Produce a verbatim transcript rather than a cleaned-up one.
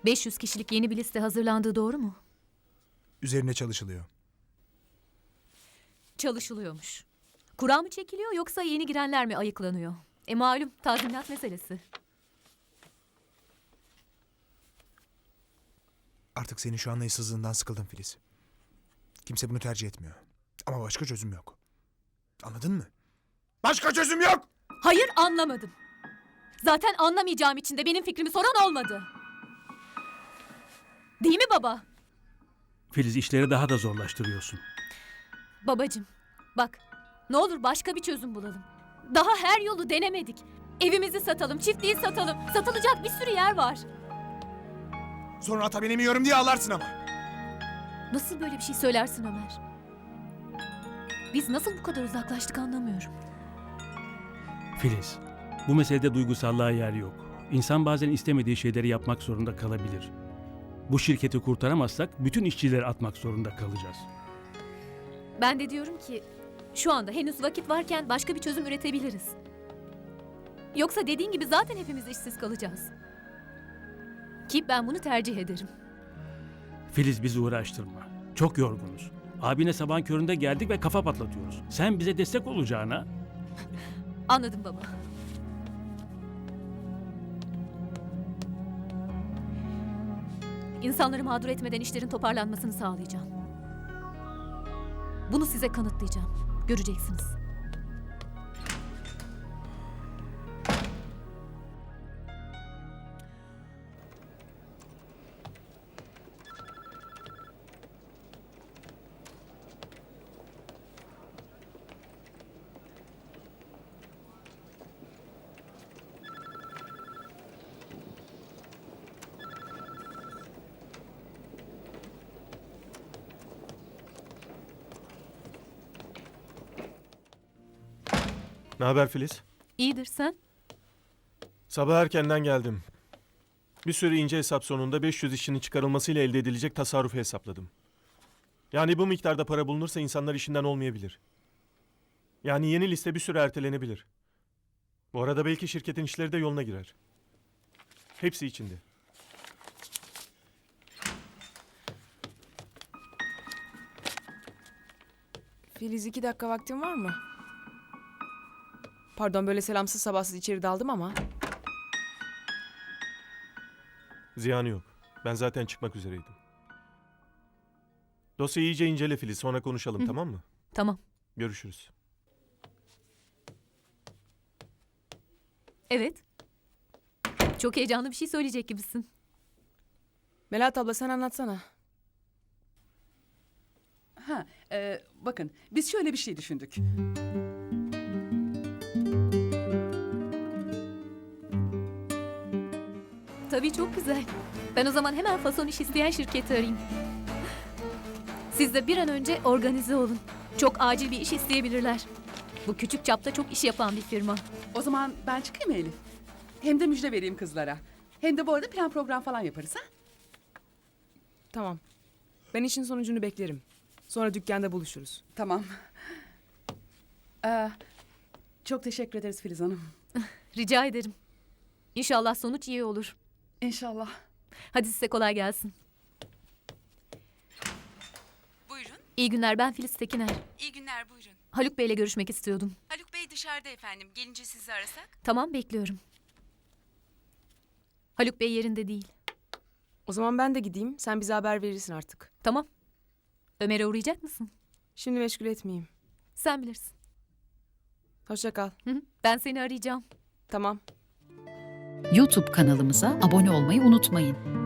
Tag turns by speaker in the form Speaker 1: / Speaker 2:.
Speaker 1: beş yüz kişilik yeni bir liste hazırlandığı doğru mu?
Speaker 2: Üzerine çalışılıyor.
Speaker 1: Çalışılıyormuş. Kura mı çekiliyor yoksa yeni girenler mi ayıklanıyor? E malum tazminat meselesi.
Speaker 2: Artık senin şu anlayışsızlığından sıkıldım Filiz. Kimse bunu tercih etmiyor. Ama başka çözüm yok. Anladın mı? Başka çözüm yok!
Speaker 1: Hayır, anlamadım. Zaten anlamayacağım için de benim fikrimi soran olmadı. Değil mi baba?
Speaker 3: Filiz, işleri daha da zorlaştırıyorsun.
Speaker 1: Babacığım, bak, ne olur başka bir çözüm bulalım. Daha her yolu denemedik. Evimizi satalım, çiftliği satalım. Satılacak bir sürü yer var.
Speaker 2: Sonra ata binemiyorum diye ağlarsın ama.
Speaker 1: Nasıl böyle bir şey söylersin Ömer? Biz nasıl bu kadar uzaklaştık anlamıyorum.
Speaker 3: Filiz, bu meselede duygusallığa yer yok. İnsan bazen istemediği şeyleri yapmak zorunda kalabilir. Bu şirketi kurtaramazsak bütün işçileri atmak zorunda kalacağız.
Speaker 1: Ben de diyorum ki şu anda henüz vakit varken başka bir çözüm üretebiliriz. Yoksa dediğin gibi zaten hepimiz işsiz kalacağız. Ki ben bunu tercih ederim.
Speaker 3: Filiz, bizi uğraştırma. Çok yorgunuz. Abine sabahın köründe geldik ve kafa patlatıyoruz. Sen bize destek olacağına...
Speaker 1: Anladım baba. İnsanları mağdur etmeden işlerin toparlanmasını sağlayacağım. Bunu size kanıtlayacağım. Göreceksiniz.
Speaker 4: Ne haber Filiz?
Speaker 1: İyidir sen?
Speaker 4: Sabah erkenden geldim. Bir sürü ince hesap sonunda beş yüz işçinin çıkarılmasıyla elde edilecek tasarrufu hesapladım. Yani bu miktarda para bulunursa insanlar işinden olmayabilir. Yani yeni liste bir süre ertelenebilir. Bu arada belki şirketin işleri de yoluna girer. Hepsi içinde.
Speaker 5: Filiz, iki dakika vaktin var mı? Pardon, böyle selamsız sabahsız içeri daldım ama.
Speaker 4: Ziyanı yok. Ben zaten çıkmak üzereydim. Dosyayı iyice incele Filiz. Sonra konuşalım,
Speaker 1: Hı.
Speaker 4: tamam mı?
Speaker 1: Tamam.
Speaker 4: Görüşürüz.
Speaker 1: Evet. Çok heyecanlı bir şey söyleyecek gibisin.
Speaker 5: Melahat abla, sen anlatsana.
Speaker 6: Ha, e, bakın biz şöyle bir şey düşündük.
Speaker 1: Tabii çok güzel. Ben o zaman hemen fason iş isteyen şirketi arayayım. Siz de bir an önce organize olun. Çok acil bir iş isteyebilirler. Bu küçük çapta çok iş yapan bir firma.
Speaker 6: O zaman ben çıkayım mı Elif? Hem de müjde vereyim kızlara. Hem de bu arada plan program falan yaparız ha?
Speaker 5: Tamam. Ben işin sonucunu beklerim. Sonra dükkanda buluşuruz.
Speaker 6: Tamam. Ee, çok teşekkür ederiz Filiz Hanım.
Speaker 1: Rica ederim. İnşallah sonuç iyi olur.
Speaker 6: İnşallah.
Speaker 1: Hadi size kolay gelsin.
Speaker 7: Buyurun.
Speaker 1: İyi günler, ben Filiz Tekiner.
Speaker 7: İyi günler, buyurun.
Speaker 1: Haluk Bey'le görüşmek istiyordum.
Speaker 7: Haluk Bey dışarıda efendim. Gelince sizi arasak.
Speaker 1: Tamam, bekliyorum. Haluk Bey yerinde değil.
Speaker 5: O zaman ben de gideyim. Sen bize haber verirsin artık.
Speaker 1: Tamam. Ömer'e uğrayacak mısın?
Speaker 5: Şimdi meşgul etmeyeyim.
Speaker 1: Sen bilirsin.
Speaker 5: Hoşça kal.
Speaker 1: Hı hı, ben seni arayacağım.
Speaker 5: Tamam.
Speaker 8: YouTube kanalımıza abone olmayı unutmayın.